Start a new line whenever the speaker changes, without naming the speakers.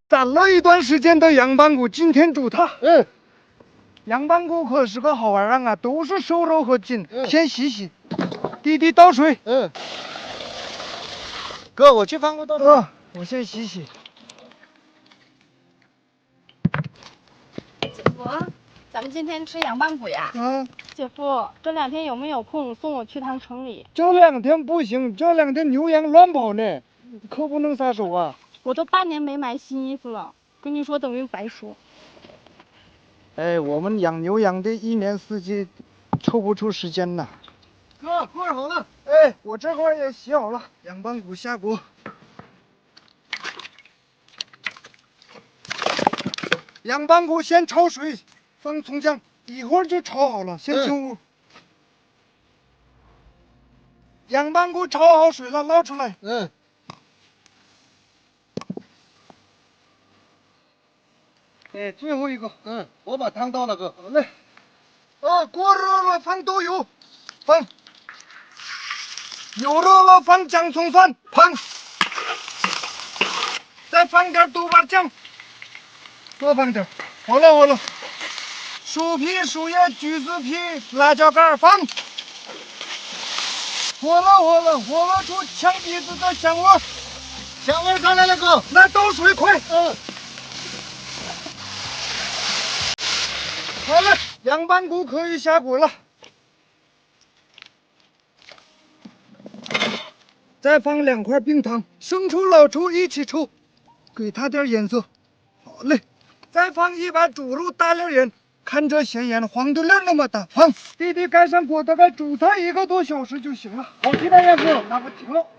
攒了一段时间的羊板骨，今天煮它。羊板骨可是个好玩意儿啊，都是瘦肉和筋。先洗洗。弟弟倒水。
哥，我去放个倒水。
我先洗洗。
姐夫，咱们今天吃羊板骨呀？姐夫，这2天有没有空送我去趟城里？
这2天不行，这2天牛羊乱跑呢，可不能撒手啊。
我都8年没买新衣服了，跟你说等于白说。
哎，我们养牛羊的1年4季抽不出时间呐。
哥，锅好了。
哎，我这块也洗好了，羊板骨下锅。羊板骨先焯水，放葱姜，一会儿就炒好了，先进屋。羊板骨焯好水了，捞出来。哎，最后一个。
我把汤倒了，哥。
好嘞。锅热了，放豆油，放。油热了，放姜葱蒜，放。再放点豆瓣酱，多放点。好了。薯皮、树叶、橘子皮、辣椒干放。火了出呛鼻子的香味。
香味上来了，哥。
来倒水，快。好了，羊板骨可以下锅了。再放2块冰糖，生抽、老抽一起抽，给它点颜色。好嘞，再放1把猪肉大粒盐，看这咸盐黄豆粒那么大，放。弟弟盖上锅，大概煮它1个多小时就行了。
好，鸡蛋燕夫，那不停了。